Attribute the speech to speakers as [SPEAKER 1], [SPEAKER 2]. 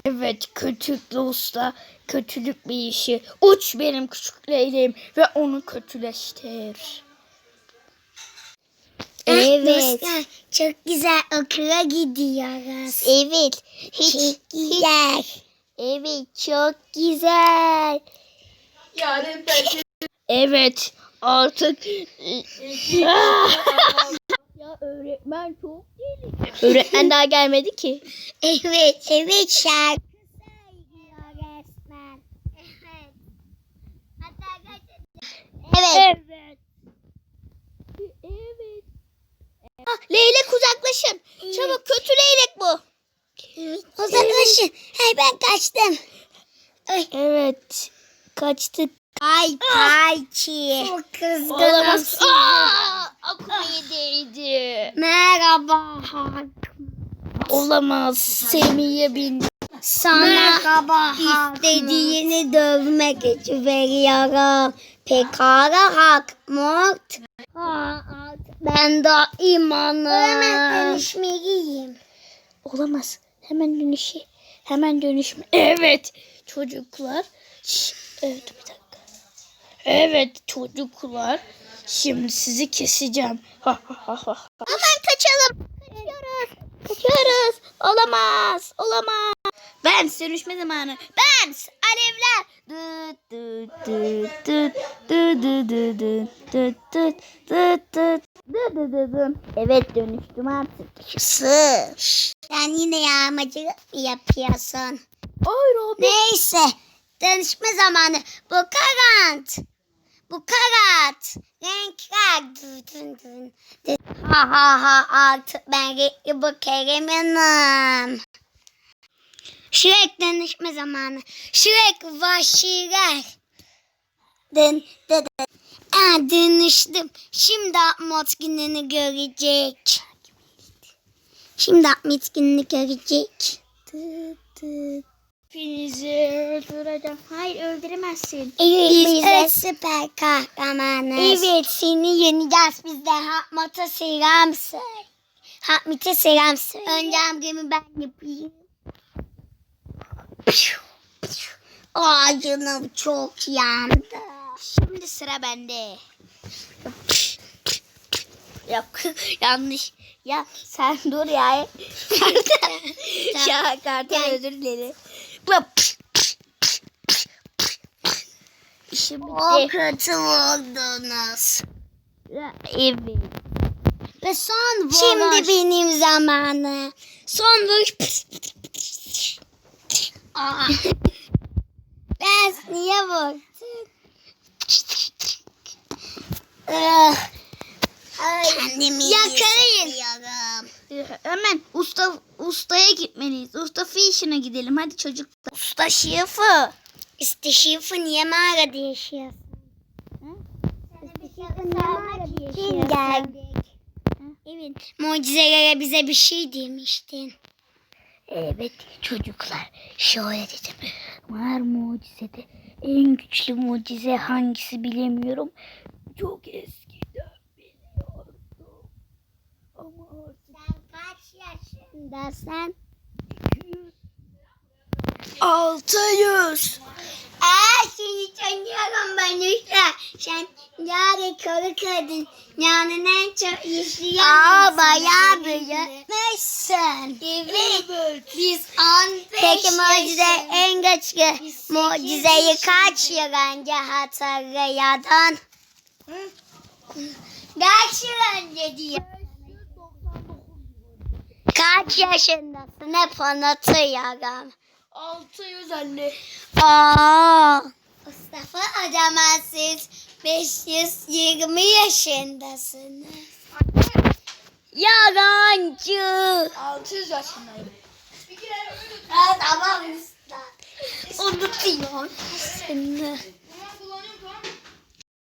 [SPEAKER 1] Evet, kötülüklü usta, kötülük bir işi. Uç benim küçük leyleğim ve onu kötüleştir.
[SPEAKER 2] Evet. Çok güzel okula gidiyoruz. Evet. Çok güzel. Evet, çok güzel.
[SPEAKER 1] Evet, artık... Ya öğretmen çok gelir. Öğretmen daha gelmedi ki.
[SPEAKER 2] Evet şarkı söylüyor resmen. Evet. Evet.
[SPEAKER 1] Evet. Leylek uzaklaşın. Çabuk, kötü leylek bu.
[SPEAKER 2] Uzaklaşın. Hey, ben kaçtım.
[SPEAKER 1] Evet. Kaçtık.
[SPEAKER 2] Ay Payçi. Çok kızgınım
[SPEAKER 1] Olamaz.
[SPEAKER 2] size.
[SPEAKER 1] Aklıma değdi.
[SPEAKER 2] Merhaba.
[SPEAKER 1] Olamaz. Semih'e bin.
[SPEAKER 2] Sana istediğini dövmek için veriyorum. Pekala Hakmut. Ben de imanım. Hemen dönüşmeliyim.
[SPEAKER 1] Olamaz. Hemen dönüşme. Evet. Çocuklar. Evet, bir dakika. Evet çocuklar. Şimdi sizi keseceğim.
[SPEAKER 2] Hemen kaçalım.
[SPEAKER 1] Kaçıyoruz. Olamaz. Ben dönüşme zamanı. Ben alevler. Evet, dönüştüm artık.
[SPEAKER 2] Sen yine yağmacılık mı yapıyorsun?
[SPEAKER 1] Ay Robin.
[SPEAKER 2] Neyse. Dönüşme zamanı. Bu karat. Renkler. Ha artık ben renkli bu Kerem'im. Şirek dönüşme zamanı. Şirek vahşiler. Dönüştüm. Şimdi Ahmet gününü görecek.
[SPEAKER 1] Hepinizi öldüreceğim. Hayır, öldüremezsin.
[SPEAKER 2] Biz de süper kahramanız. Evet, seni yeneceğiz. Biz de Ahmet'e selam söyle. Önce hamlemi ben yapayım. Ay canım çok yandı.
[SPEAKER 1] Şimdi sıra bende. Yok, yanlış. Ya sen dur ya. Ya kartal, özür dilerim. İşim
[SPEAKER 2] O
[SPEAKER 1] bitti.
[SPEAKER 2] kötü oldunuz.
[SPEAKER 1] Evet.
[SPEAKER 2] Ve son vuruş. Şimdi benim zamanı. Son vuruş. Ben niye vurdum? Kendimi yakalayın.
[SPEAKER 1] Hemen ustaya gitmeliyiz. Usta fişine gidelim. Hadi çocuklar. Usta şifa.
[SPEAKER 2] İşte şifa niye mağarada yaşıyorsun? Kim geldik? Evet. Mucizelere bize bir şey demiştin.
[SPEAKER 1] Evet çocuklar. Şöyle dedim. Var mucizede. En güçlü mucize hangisi bilemiyorum. Çok eskiden biliyordum. Ama
[SPEAKER 2] Sen kaç yaşındasın?
[SPEAKER 1] 600.
[SPEAKER 2] Seni tanıyorum ben işte. Sen yarı karı kadın. Yani en çok yaşayan bayağı büyümüşsün. Evet. Biz 15 Peki mucize en güçlü mucizeyi kaç yıl önce hatırlıyordun? Kaç yıl önce diyor. Kaç yaşındasın? Hep unutuyorum.
[SPEAKER 1] 600 anne.
[SPEAKER 2] Mustafa, o zaman siz 520 yaşındasınız. Yalancı.
[SPEAKER 1] 600 yaşındayım.
[SPEAKER 2] Tamam usta. Unutuyorum seni.